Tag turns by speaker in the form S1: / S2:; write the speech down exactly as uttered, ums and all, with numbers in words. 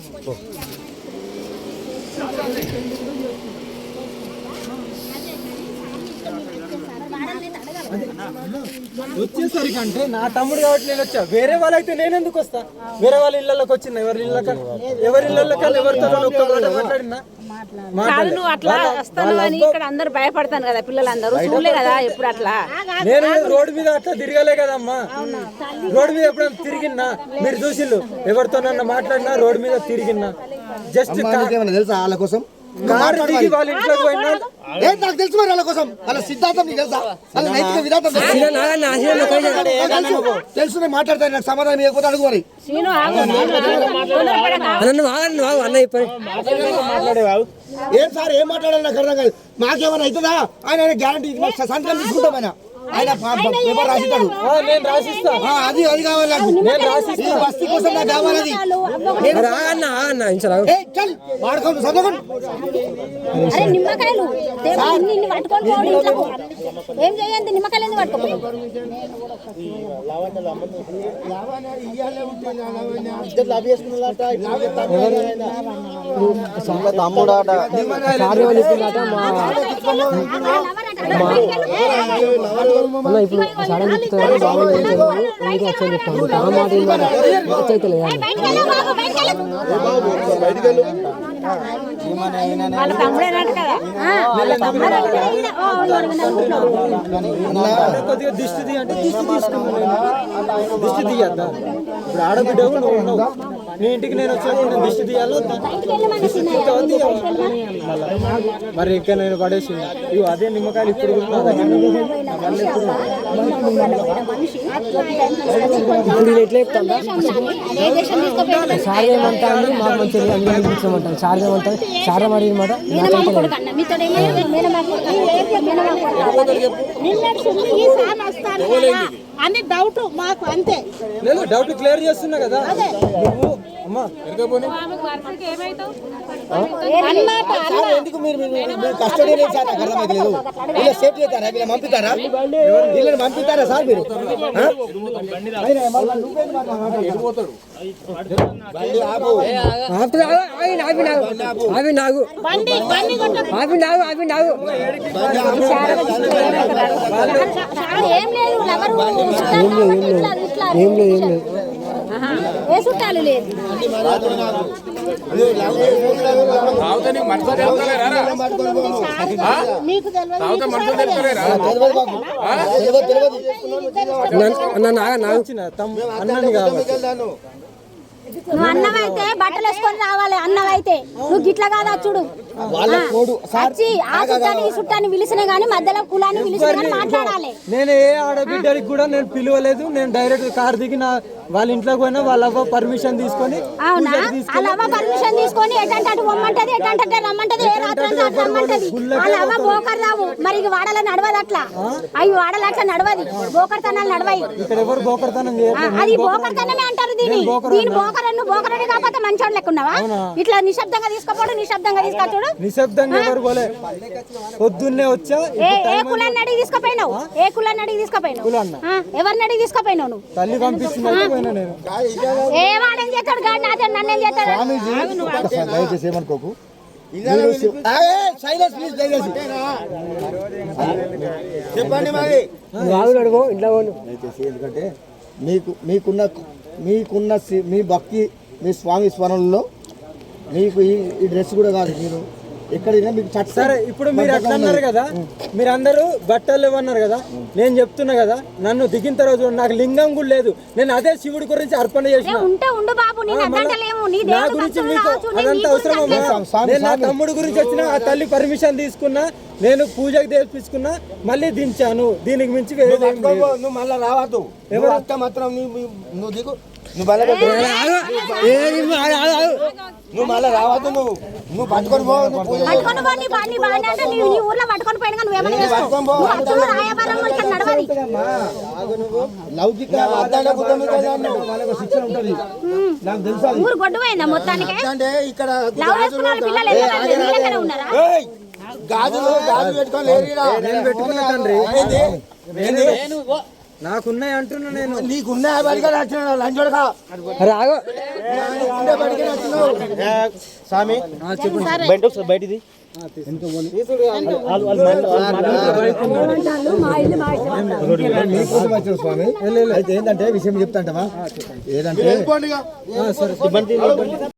S1: వచ్చేసరికి అంటే నా తమ్ముడు కాబట్టి నేను వచ్చా, వేరే వాళ్ళైతే నేను ఎందుకు వస్తా? వేరే వాళ్ళ ఇళ్ళకి వచ్చిన ఎవరి ఇళ్ళకి ఎవరి ఇళ్ళకి ఎవరితో మాట్లాడినా
S2: నువ్వు అట్లా వస్తాను అని ఇక్కడ అందరు భయపడతాను కదా, పిల్లలందరూ చూడలే కదా ఎప్పుడు అట్లా.
S1: నేను రోడ్డు మీద అట్లా తిరగలే కదమ్మా, రోడ్డు మీద ఎప్పుడైనా తిరిగినా మీరు చూసిల్లు, ఎవరితోనన్నా మాట్లాడినా రోడ్డు మీద తిరిగినా. జస్ట్
S3: తెలుసా వాళ్ళ కోసం
S1: కారు దిగి వాళ్ళ ఇంట్లోకి పోయినా
S3: నాకు తెలుసు మరి వాళ్ళ కోసం వాళ్ళ సిద్ధాంతం నీకు తెలుసా, వాళ్ళ నైతిక విధానం తెలుసు. నేను మాట్లాడతాను, నాకు సమాధానం ఇవ్వకపోతే అడుగు మరి. ఏం సార్ ఏం మాట్లాడాలి నాకు అర్థం కాదు. మాకేమైనా అవుతుందా? ఆయన గ్యారంటీ సంతకం తీసుకుంటాం, ఆయన ఆయన పేపర్ రాసిస్తాడు. అది అది కావాలి నాకు, బస్తీ కోసం నాకు కావాలి. వాడుకోండి చదవకండి.
S4: నిమ్మకాయలు ఏం చేయండి, నిమ్మకాయలు ఎందుకు పట్టుకోండి?
S3: తమ్ముడాట
S5: ఇప్పుడు సడన్ చెప్తున్నారు బాబు వచ్చని చెప్తాను ఆ మాట అయితే లేదా
S1: కొద్దిగా దిష్టి తీ అంటే దిష్టి తీసుకున్నాను, దిష్టి తీయద్దా? ఇప్పుడు ఆడబిడ్డవు నువ్వు ఉన్నావు, నీ ఇంటికి నేను వచ్చినప్పుడు నేను దిష్టి తీయాలో మరి ఇంకా నేను పడేసి ఇవి అదే నిమ్మకాయలు ఇప్పుడు
S5: ఇప్పుడు ఎట్లా చెప్తాను సార్ ఏమంటాను మాకు మంచిగా అనిపించమంటాను. సార్ ఏమంటారు సార్ మరి మాట
S2: అని డౌట్ మాకు అంతే.
S1: లేదు డౌట్ క్లియర్ చేస్తున్నా కదా నువ్వు అమ్మా.
S3: ఎందుకు మీరు కస్టడీ సార్ నాకు అర్థమైతలేదు. వీళ్ళ సేఫ్ చేస్తారా, వీళ్ళ పంపిస్తారా, వీళ్ళని పంపిస్తారా సార్ మీరు?
S5: అవి నాకు అవి నాకు అవి నాకు
S4: ఏం లేదు
S5: ఏం లేదు ఏం లేదు
S4: ఏ చుట్టాలు లేదు. మీకు
S1: అన్నని కాబట్టి
S4: నువ్వు అన్నమైతే బట్టలు వేసుకొని రావాలి. అన్నమైతే నువ్వు గిట్ల కాదా చూడు, వచ్చి ఆ చుట్టాన్ని ఈ చుట్టాన్ని పిలిచినా గానీ మధ్యలో కులాన్ని పిలిచినా గానీ మాట్లాడాలి.
S1: నేను ఏ ఆడబిడ్డకి కూడా నేను పిలవలేదు, నేను డైరెక్ట్ కార్ దిగి నా వాళ్ళ ఇంట్లోకి పోయినా వాళ్ళ అవ్వ పర్మిషన్ తీసుకొని.
S4: అవునా? వాళ్ళ అవ్వ పర్మిషన్ తీసుకొని ఎటంటే అటు పొమ్మంటది, ఎటంటే రమ్మంటది, ఏ రాత్రి రమ్మంటది. వాళ్ళ అవ్వ బోకర్ రావు మరి వాడల నడవదు అట్లా, అవి వాడలు అట్లా నడవది, బోకర్తనాలు నడవాయి.
S1: ఇక్కడ ఎవరు బోకర్తనం
S4: అది బోకర్తనమే అంటారు దీని. దీని బోకర్ నువ్వు బోకరని కాకపోతే మంచోడు లెక్కున్నావా? ఇట్లా నిశ్శబ్దంగా తీసుకోపోడు, నిశ్శబ్దంగా తీసుకొచ్చాడు.
S1: నిశ్శబ్దంగా ఎవరు పోలే, పొద్దున్నే వచ్చా.
S4: ఏ కులాన్ని అడిగి తీసుకుపోయినావు? ఏ కులాన్ని అడిగి తీసుకుపోయినావు? ఎవరిని అడిగి తీసుకుపోయినావు నువ్వు?
S1: తల్లి పంపిస్తున్నా నేను
S4: ఏ వాడేం చేస్తాడు గాడి నాతో నన్నేం చేస్తాడు?
S3: దయచేసి ఏమనుకోకు, చెప్పండి మరి దయచేసి. ఎందుకంటే మీకు మీకున్న మీకున్న మీ భక్తి మీ స్వామి స్మరణలో మీకు ఈ డ్రెస్ కూడా కాదు, మీరు ఎక్కడైనా మీకు
S1: సరే. ఇప్పుడు మీరు అట్లా అన్నారు కదా, మీరు అందరూ బట్టలు ఇవ్వన్నారు కదా, నేను చెప్తున్నా కదా, నన్ను దిగిన తర్వాత నాకు లింగం కూడా లేదు, నేను అదే శివుడి గురించి అర్పణ చేసిన. నా గురించి మీకు అదంతా అవసరం. నేను నా తమ్ముడు గురించి వచ్చిన ఆ తల్లి పర్మిషన్ తీసుకున్నా, నేను పూజకు తెప్పించుకున్నా, మళ్ళీ దించాను. దీనికి మించి
S3: నువ్వు మళ్ళీ రావద్దు. ఎవరు మాత్రం నువ్వు దిగు, నువ్వు మళ్ళీ నువ్వు మళ్ళీ రావద్దు. నువ్వు నువ్వు పట్టుకొని పో, లౌకిక శిక్షణ ఉంటుంది నాకు తెలుసా. అంటే ఇక్కడ గాజులు గాజులు పెట్టుకొని
S1: పెట్టుకున్నా తండ్రి. నాకున్నాయి అంటున్నా నేను.
S3: నీకున్నా బడిగా నచ్చినావు లంచోడగా
S1: రాగో
S3: ఉండే బడిగా నచ్చినావు
S6: స్వామి బయట ఒకసారి బయటిది
S3: స్వామి అయితే ఏంటంటే విషయం చెప్తాంటవా ఏదంటే